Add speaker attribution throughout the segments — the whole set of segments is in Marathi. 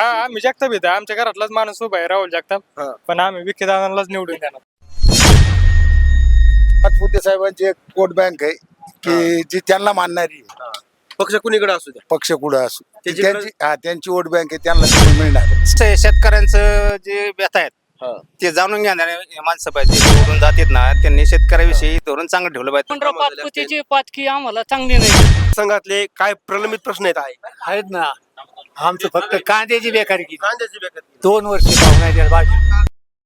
Speaker 1: हा आम्ही जगताप येतो, आमच्या घरातलाच माणूस उभा आहे राहुल जगताप.
Speaker 2: हा.
Speaker 1: पण आम्ही विखे दादांनाच निवडून देणार.
Speaker 3: पाचपुते साहेबांची एक वोट बँक आहे की जी त्यांना मानणारी आहे.
Speaker 2: पक्ष कुणीकडे असू द्या.
Speaker 3: पक्ष कुठं असो
Speaker 2: त्याची
Speaker 3: त्यांची वोट बँक आहे, त्यांना निवडून मिळणार.
Speaker 4: शेतकऱ्यांचं जे व्यथा आहेत ते जाणून घेणारे माणसं पाहिजे, निवडून जातात ना, त्यांनी शेतकऱ्याविषयी धोरण चांगलं ठेवलं पाहिजे.
Speaker 5: पंधरा पाचपुतीची पाचकी आम्हाला चांगली नाही.
Speaker 2: संघातले काय प्रलंबित प्रश्न
Speaker 6: आहेत ना. आमचं फक्त कांद्याची बेकारी केली.
Speaker 2: कांद्याची बेकारी
Speaker 6: 2 वर्ष भाव नाही द्यायला पाहिजे.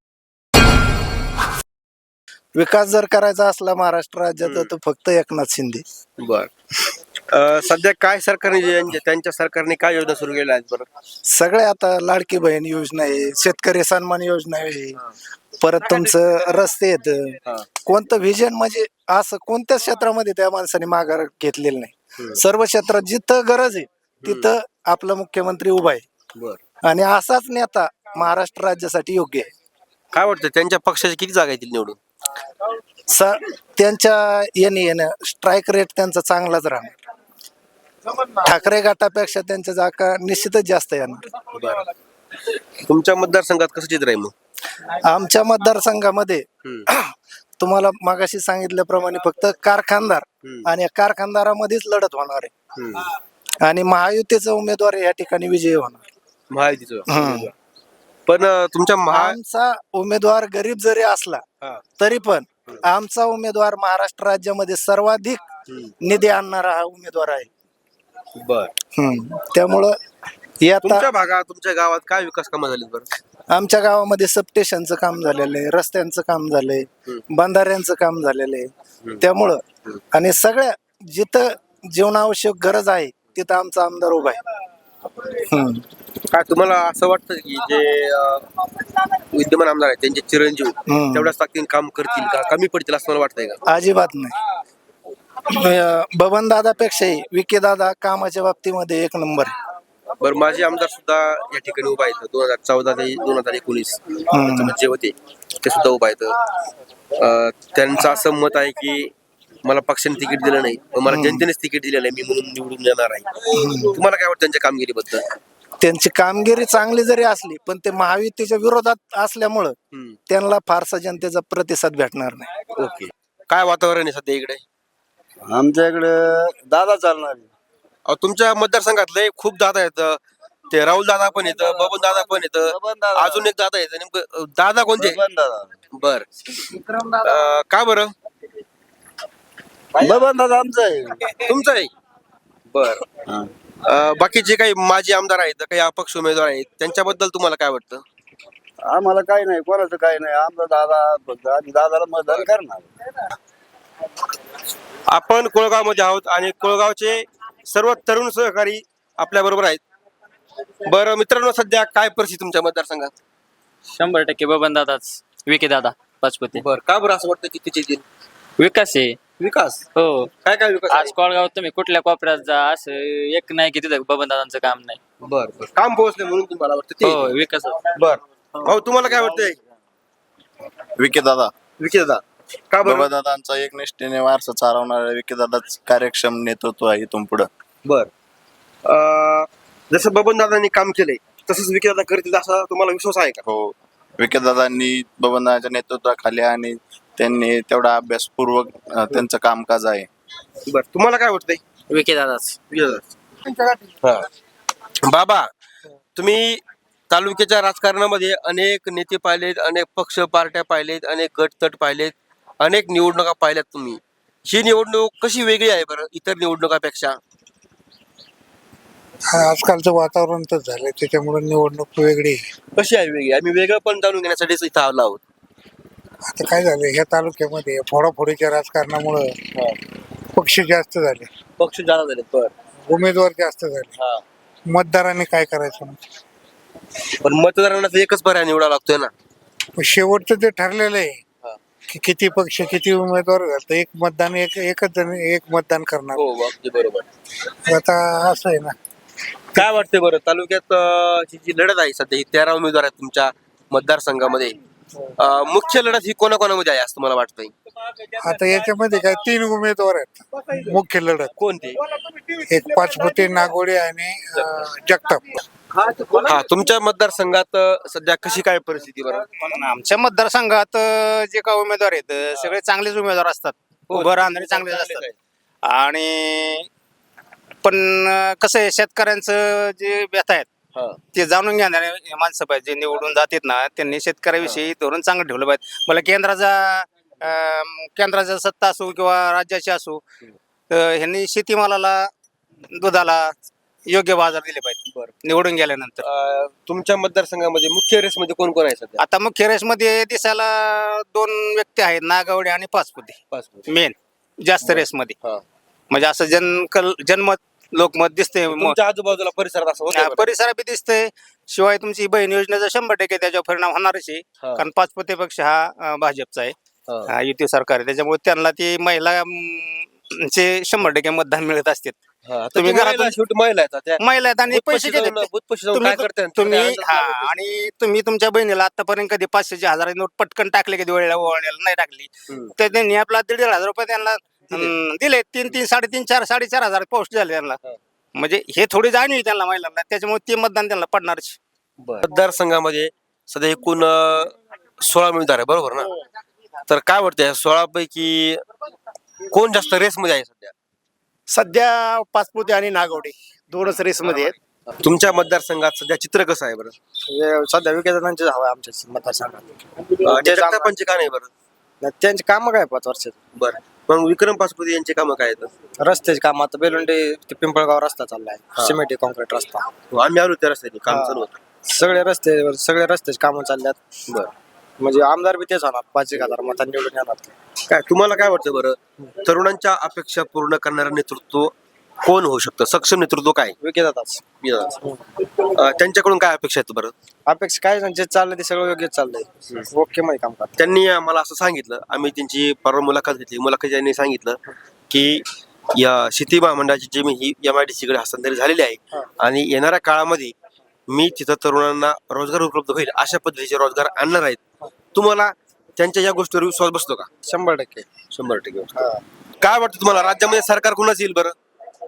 Speaker 7: विकास जर करायचा असला महाराष्ट्र राज्याचा तर फक्त एकनाथ शिंदे.
Speaker 2: बर. सध्या काय सरकारने त्यांच्या सरकारने काय योजना सुरू केल्या आहेत बरं?
Speaker 7: सगळे आता लाडकी बहीण योजना आहे, शेतकरी सन्मान योजना आहे, परत तुमचं रस्ते आहेत. कोणतं व्हिजन म्हणजे असं कोणत्याच क्षेत्रामध्ये त्या माणसाने माघार घेतलेलं नाही. सर्व क्षेत्रात जिथं गरज आहे तिथं आपला मुख्यमंत्री उभा आहे आणि असाच नेता महाराष्ट्र राज्यासाठी योग्य आहे.
Speaker 2: काय वाटतं त्यांच्या पक्षाचे किती जागा येतील निवडून?
Speaker 7: त्यांच्या येणं स्ट्राईक रेट त्यांचा चांगलाच राहणार. ठाकरे गटापेक्षा त्यांच्या जागा निश्चितच जास्त येणार.
Speaker 2: तुमच्या मतदारसंघात कसं चित्र आहे मग?
Speaker 7: आमच्या मतदारसंघामध्ये तुम्हाला मागाशी सांगितल्याप्रमाणे फक्त कारखानदार आणि या कारखानदारामध्येच लढत होणार आहे आणि महायुतीचा उमेदवार या ठिकाणी विजयी होणार.
Speaker 2: महायुतीचं पण तुमच्या
Speaker 7: आमचा उमेदवार गरीब जरी असला तरी पण आमचा उमेदवार महाराष्ट्र राज्यामध्ये सर्वाधिक निधी आणणारा हा उमेदवार आहे. त्यामुळं
Speaker 2: तुमच्या भागात तुमच्या गावात काय विकास कामं झालीत बरं?
Speaker 7: आमच्या गावामध्ये सबस्टेशनचं काम झालेलं आहे, रस्त्यांचं काम झालंय, बंधाऱ्यांचं काम झालेलं आहे. त्यामुळं आणि सगळ्या जिथं जीवनावश्यक गरज आहे तिथं आमचा आमदार उभा आहे.
Speaker 2: काय तुम्हाला असं वाटतं की जे विद्यमान आमदार आहेत त्यांचे चिरंजीव तेवढ्याच ताकदीने काम करतील का, कमी पडतील असं मला वाटतंय का?
Speaker 7: अजिबात नाही. बबन दादापेक्षाही विखे दादा कामाच्या बाबतीमध्ये एक नंबर आहे.
Speaker 2: बरं, माझे आमदार सुद्धा या ठिकाणी उभा आहेत. 2014 ते 2019 जे होते ते सुद्धा उभा आहेत. त्यांचं असं मत आहे की मला पक्षाने तिकीट दिलं नाही, मला जनतेनेच तिकीट दिलेलं आहे, मी म्हणून निवडून येणार आहे. तुम्हाला काय वाटतं त्यांच्या कामगिरीबद्दल?
Speaker 7: त्यांची कामगिरी चांगली जरी असली पण ते महायुतीच्या विरोधात असल्यामुळं त्यांना फारसा जनतेचा प्रतिसाद भेटणार नाही.
Speaker 2: ओके. काय वातावरण आहे सध्या इकडे?
Speaker 3: आमच्या इकडे दादा चालणार.
Speaker 2: तुमच्या मतदारसंघातले खूप दादा आहेत. ते राहुल दादा पण येतं, बबन दादा पण येतं, अजून एक दादा येतं. नेमकं दादा कोणते? बर. का बरं?
Speaker 3: बबन दादा आमचा आहे.
Speaker 2: तुमचं आहे. बर. बाकीचे काही माजी आमदार आहेत, काही अपक्ष उमेदवार आहेत, त्यांच्याबद्दल तुम्हाला काय वाटतं?
Speaker 3: आम्हाला काही नाही, कोणाचं काही नाही. आमचा दादा फक्त आम्ही दादाला मतदान करणार.
Speaker 2: आपण कोळगावमध्ये आहोत आणि कोळगावचे सर्व तरुण सहकारी आपल्या बरोबर आहेत. बरं मित्रांनो, सध्या काय परिस्थिती तुमच्या मतदारसंघात?
Speaker 5: 100% बबन दादाच, विखे दादा पाचपुते.
Speaker 2: बरं, का बरं असं वाटतं की तिचे
Speaker 5: विकास आहे.
Speaker 2: विकास?
Speaker 5: हो.
Speaker 2: काय काय विकास?
Speaker 5: आज कोळगाव तुम्ही कुठल्या कोपऱ्यात जा, असं एक नाही की तिथं बबन दादांचं काम नाही.
Speaker 2: बर. काम पोहोचले म्हणून तुम्हाला वाटतं
Speaker 5: हो, विकास.
Speaker 2: बर. भाऊ, तुम्हाला काय वाटतंय?
Speaker 3: विखे दादा.
Speaker 2: विखे दादा का बरं?
Speaker 3: दादांचा एक निष्ठेने वारसा चालवणारा विखे दादाच कार्यक्षम नेतृत्व आहे इथून पुढं.
Speaker 2: बर. जसं बबन दादांनी काम केलंय तसंच विखे दादा करतील असा तुम्हाला विश्वास आहे का?
Speaker 3: हो, विखे दादांनी बबनदादाच्या नेतृत्वाखाली आणि त्यांनी तेवढा अभ्यासपूर्वक त्यांचं कामकाज आहे.
Speaker 2: बर. तुम्हाला काय वाटतंय?
Speaker 5: विखे दादाच.
Speaker 2: बाबा, तुम्ही तालुक्याच्या राजकारणामध्ये अनेक नेते पाहिलेत, अनेक पक्ष पार्ट्या पाहिलेत, अनेक गटतट पाहिलेत, अनेक निवडणुका पाहिल्यात तुम्ही. ही निवडणूक कशी वेगळी आहे बरं इतर निवडणुकापेक्षा?
Speaker 6: आजकालचं वातावरण तर झालंय त्याच्यामुळे निवडणूक वेगळी आहे.
Speaker 2: कशी आहे वेगळी? आम्ही वेगळं पण जाणून घेण्यासाठीच इथं आलो आहोत.
Speaker 6: आता काय झालं, ह्या तालुक्यामध्ये फोडाफोडीच्या राजकारणामुळं पक्ष जास्त झाले,
Speaker 2: पक्ष जादा झाले. बर.
Speaker 6: उमेदवार जास्त झाले. मतदारांनी काय करायचं?
Speaker 2: पण मतदारांना तर एकच पर्याय निवडावा लागतोय ना.
Speaker 6: शेवटचं ते ठरलेलं आहे की किती पक्ष किती उमेदवार झालं, एक मतदान एकच जण एक मतदान करणार.
Speaker 2: हो, अगदी बरोबर.
Speaker 6: आता असं आहे ना.
Speaker 2: काय वाटतंय बरं तालुक्यात जी लढत आहे सध्या, ही 13 उमेदवार आहेत तुमच्या मतदारसंघामध्ये. मुख्य लढत ही कोणाकोणामध्ये आहे असं तुम्हाला वाटतंय?
Speaker 6: आता याच्यामध्ये काय 3 उमेदवार आहेत मुख्य लढत.
Speaker 2: कोणते?
Speaker 6: एक पाचपुते, नागोडे आणि जगताप.
Speaker 2: हा तुमच्या मतदारसंघात सध्या कशी काय परिस्थिती बरं?
Speaker 4: आमच्या मतदारसंघात जे काही उमेदवार आहेत सगळे चांगलेच उमेदवार असतात, उभं राहणारे चांगलेच असतात. आणि पण कसं आहे, शेतकऱ्यांचं जे व्यथा आहेत ते जाणून घेणारे माणसं पाहिजे. जे निवडून जातात ना, त्यांनी शेतकऱ्याविषयी धोरण चांगलं ठेवलं पाहिजे. मला केंद्राचा सत्ता असो किंवा राज्याची असो, ह्यांनी शेतीमालाला, दुधाला योग्य बाजार दिले पाहिजे निवडून गेल्यानंतर.
Speaker 2: तुमच्या मतदारसंघामध्ये मुख्य रेस मध्ये कोण कोण आहे सध्या?
Speaker 4: आता मुख्य रेसमध्ये दिसायला 2 व्यक्ती आहेत, नागावडे आणि पाचपुते मेन जास्त रेसमध्ये. म्हणजे असं जनमत लोकमत दिसते,
Speaker 2: तुमच्या आजूबाजूला परिसरात असं होतं बरं?
Speaker 4: परिसरात बी दिसतंय. शिवाय तुमची बहीण योजनेचा 100% त्याच्यावर परिणाम होणारच आहे. कारण पाचपुते पक्ष हा भाजपचा आहे, युती सरकार आहे. त्याच्यामुळे त्यांना ती महिला चे 100% मतदान मिळत असते. तुम्ही घरातून
Speaker 2: शेवटी महिला आहेत त्या.
Speaker 4: महिला आहेत आणि पैसे घेतात.
Speaker 2: बुथपाशी जाऊन काय करतात?
Speaker 4: तुम्ही आणि तुम्ही तुमच्या बहिणीला आतापर्यंत कधी 500ची 1000 नोट पटकन टाकले, कधी वेळेला ओवाळण्याला नाही टाकली, तर त्यांनी आपला 1,500 रुपये त्यांना दिले. 3-3, 3.5, 4, 4,500 पोस्ट झाले त्यांना. म्हणजे हे थोडी जाणीव आहे त्यांना महिलांना, त्याच्यामुळे ते मतदान त्यांना पडणारच.
Speaker 2: मतदारसंघामध्ये सध्या एकूण 16 उमेदवार आहे बरोबर ना? तर काय वाटतं 16 पैकी कोण जास्त रेस मध्ये आहे सध्या?
Speaker 8: सध्या पाचपुते आणि नागवडे 2च रेसमध्ये आहेत.
Speaker 2: तुमच्या मतदारसंघात सध्या चित्र कसं आहे बरं?
Speaker 8: सध्या विकेदांचे हवा आमच्या मतदारसंघात.
Speaker 2: जगतापांचे का नाही बरं?
Speaker 8: त्यांची कामं काय 5 वर्षात?
Speaker 2: बरं, मग विक्रम पाचपुते यांचे कामं काय आहेत?
Speaker 8: रस्त्याचे काम आता बेलुंडे ते पिंपळगाव रस्ता चाललाय, सिमेंट कॉन्क्रीट रस्ता.
Speaker 2: आम्ही आलो त्या रस्त्याने काम चालू होतं.
Speaker 8: सगळे रस्त्याचे कामं चालल्यात.
Speaker 2: बरं,
Speaker 8: म्हणजे आमदार बी तेच होणार, 5,000 मतांनी निवडून येणार.
Speaker 2: काय तुम्हाला काय वाटतं बरं, तरुणांच्या अपेक्षा पूर्ण करणारं नेतृत्व कोण होऊ शकतं? सक्षम नेतृत्व काय?
Speaker 8: विकेदाच
Speaker 2: त्यांच्याकडून काय अपेक्षा आहेत बरं?
Speaker 8: अपेक्षा काय नाही, जे चाललंय ते सगळं योग्य चाललंय, ओके मध्ये काम करतात.
Speaker 2: त्यांनी मला असं सांगितलं, आम्ही त्यांची परवा मुलाखत घेतली, मुलाखत त्यांनी सांगितलं की या शेती महामंडळाची जमीन ही MIDC कडे हस्तांतरित झालेली आहे आणि येणाऱ्या काळामध्ये मी तिथं तरुणांना रोजगार उपलब्ध होईल अशा पद्धतीचे रोजगार आणणार आहेत. तुम्हाला त्यांच्या या गोष्टीवर विश्वास बसतो का?
Speaker 8: 100%.
Speaker 2: 100% काय वाटतं तुम्हाला, राज्यामध्ये सरकार कोणाच येईल बरं?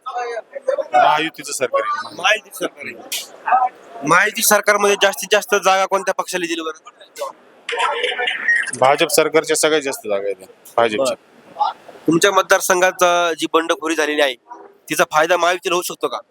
Speaker 3: महायुतीचं सरकार आहे.
Speaker 2: महायुती सरकार आहे. महायुती सरकारमध्ये जास्तीत जास्त जागा कोणत्या पक्षाला दिली बरं?
Speaker 3: भाजप सरकारच्या सगळ्यात जास्त जागा आहेत भाजपच्या.
Speaker 2: तुमच्या मतदारसंघात जी बंडखोरी झालेली आहे तिचा फायदा महायुतीला होऊ शकतो का?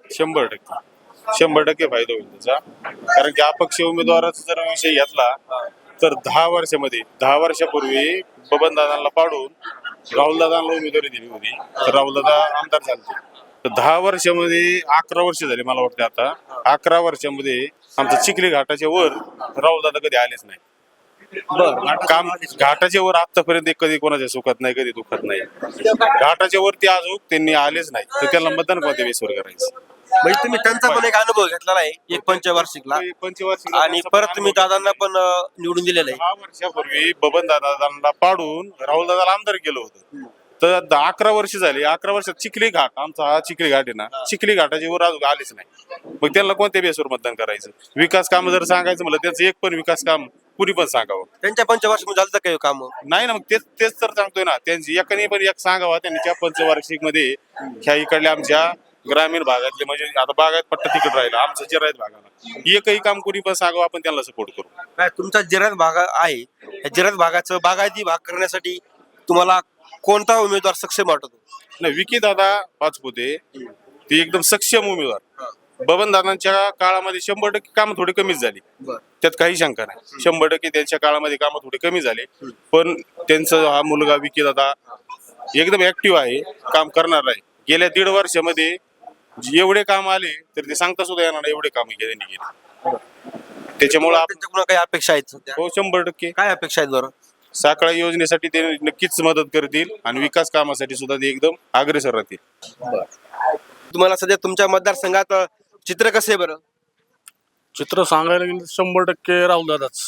Speaker 3: 100% फायदा होईल त्याचा. कारण की अपक्ष उमेदवाराचा जर विषय घेतला तर 10 वर्षापूर्वी बबनदादांना पाडून राहुलदादांना उमेदवारी दिली होती, तर राहुलदादा आमदार झाले. तर 10 वर्षामध्ये 11 वर्ष झाले मला वाटतं. आता 11 वर्षामध्ये आमच्या चिखली घाटाच्या वर राहुलदादा कधी आलेच नाही. काम घाटाच्या वर आतापर्यंत कधी कोणाच्या सुखात नाही, कधी दुखत नाही. घाटाच्या वरती अजून त्यांनी आलेच नाही, तर त्याला मतदान कोणत्या बेसवर करायचं?
Speaker 2: म्हणजे तुम्ही त्यांचा पण एक अनुभव घेतलेला आहे एक पंचवार्षिकला, आणि परत तुम्ही दादांना पण निवडून दिलेलं आहे.
Speaker 3: 10 वर्षापूर्वी बबन दादांना पाडून राहुल दादाला आमदार केलं होतं. तर 11 वर्ष झाली. 11 वर्षात चिखली घाट, आमचा हा चिखली घाट आहे ना, चिखली घाटाची वर अजून आलीच नाही. मग त्यांना कोणत्या बेसवर मतदान करायचं? विकास काम जर सांगायचं म्हणलं, त्यांचं एक पण विकास काम कुणी पण सांगावं.
Speaker 2: त्यांच्या पंचवार्षिक झालं काही काम
Speaker 3: नाही ना, मग तेच तर सांगतोय ना. त्यांची एकाने पण एक सांगावा त्यांनी त्या पंचवार्षिक मध्ये ह्या इकडल्या आमच्या ग्रामीण भागातले, म्हणजे आता बागायत पट्टा तिकड राहिला, आमचं जिरायत भागाला एकही काम कोणी पण सांगावं, आपण त्यांना सपोर्ट करू.
Speaker 2: काय तुमचा जिरायत भाग आहे, या जिरायत भागाचं बागायती भाग करण्यासाठी तुम्हाला कोणता उमेदवार सक्षम वाटतो?
Speaker 3: नाही, विकी दादा पाचपुते ते एकदम सक्षम उमेदवार. बबन दादांच्या काळामध्ये 100% कामं थोडी कमीच झाली, त्यात काही शंका नाही. 100% त्यांच्या काळामध्ये कामं थोडी कमी झाली, पण त्यांचा हा मुलगा विकी दादा एकदम ऍक्टिव्ह आहे, काम करणार आहे. गेल्या 1.5 वर्षामध्ये एवढे काम आले तर ते सांगता सुद्धा येणार नाही एवढे काम त्यांनी केले. त्याच्यामुळे
Speaker 2: त्यांच्याकडून काही अपेक्षा आहेत सध्या?
Speaker 3: हो, 100%.
Speaker 2: काय अपेक्षा आहेत बरं?
Speaker 3: साखळा योजनेसाठी ते नक्कीच मदत करतील आणि विकास कामासाठी सुद्धा ते एकदम अग्रेसर राहतील.
Speaker 2: तुम्हाला सध्या तुमच्या मतदारसंघात चित्र कसं आहे बरं?
Speaker 9: चित्र सांगायला गेलं 100% राहुल दादाच.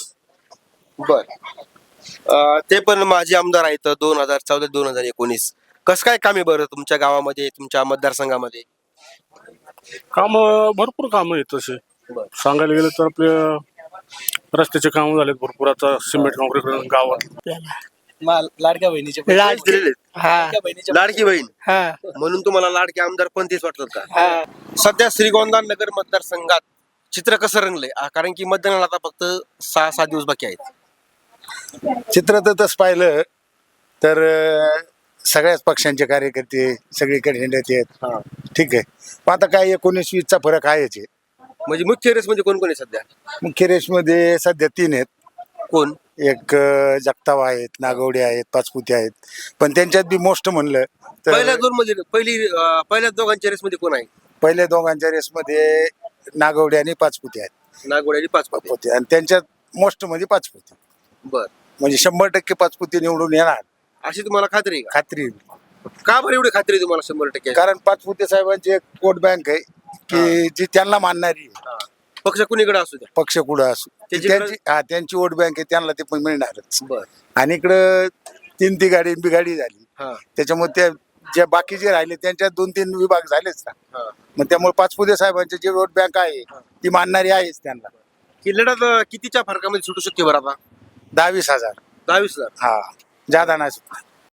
Speaker 2: बर, ते पण माजी आमदार आहेत 2014-2019. कसं काय काम आहे बरं तुमच्या गावामध्ये, तुमच्या मतदारसंघामध्ये?
Speaker 9: काम भरपूर काम आहेत तसे. सांगायला गेलं तर आपले रस्त्याचे काम झालेत भरपूर. आता सिमेंट कॉन्क्रीट गावात
Speaker 8: लाडक्या बहिणीचे
Speaker 2: लाडकी बहीण म्हणून तुम्हाला लाडके आमदार पण तेच वाटतात का? सध्या श्रीगोंदा नगर मतदारसंघात चित्र कसं रंगलंय कारण की मतदानाला आता फक्त 6-7 दिवस बाकी आहेत.
Speaker 10: चित्र तर तसं पाहिलं तर सगळ्याच पक्षांचे कार्यकर्ते सगळीकडे हिंडत आहेत. ठीक आहे, पण आता काय 19-20चा फरक आहेच आहे.
Speaker 2: म्हणजे मुख्य रेस मध्ये कोण कोण आहे सध्या?
Speaker 10: मुख्य रेसमध्ये सध्या 3 आहेत.
Speaker 2: कोण?
Speaker 10: एक जगताप आहेत, नागवडे आहेत, पाचपुते आहेत. पण त्यांच्यात बी मोस्ट म्हणलं
Speaker 2: पहिल्या
Speaker 10: तर
Speaker 2: दोन मध्ये पहिल्या दोघांच्या रेस मध्ये कोण आहे?
Speaker 10: पहिल्या दोघांच्या रेसमध्ये नागवडे आणि पाचपुते आहेत.
Speaker 2: नागोडे आणि पाचपुते.
Speaker 10: पाचपुते आणि त्यांच्यात मोस्ट मध्ये पाचपुते,
Speaker 2: बर,
Speaker 10: म्हणजे 100% पाचपुते निवडून येणार
Speaker 2: अशी तुम्हाला खात्री आहे
Speaker 10: खात्री आहे.
Speaker 2: का? का बरं एवढी खात्री आहे तुम्हाला 100%?
Speaker 10: कारण पाचपुते साहेबांची एक वोट बँक आहे की जी त्यांना मानणारी आहे.
Speaker 2: पक्ष कुणीकडे असू द्या.
Speaker 10: पक्ष कुठं असो
Speaker 2: त्याची
Speaker 10: त्यांची वोट बँक आहे, त्यांना ते पण मिळणारच.
Speaker 2: बर.
Speaker 10: आणि इकडं 3 गाडी बिगाडी झाली,
Speaker 2: हा.
Speaker 10: त्याच्यामुळे त्या ज्या बाकीचे राहिले त्यांच्यात 2-3 विभाग झालेच ना.
Speaker 2: हा.
Speaker 10: मग त्यामुळे पाचपुते साहेबांची जी वोट बँक आहे ती मानणारी आहेच त्यांना.
Speaker 2: ही लढत कितीच्या फरकामध्ये सुटू शकते बरं आता?
Speaker 10: 10-20 हजार.
Speaker 2: 10-20 हजार.
Speaker 10: हा, जादा नाही.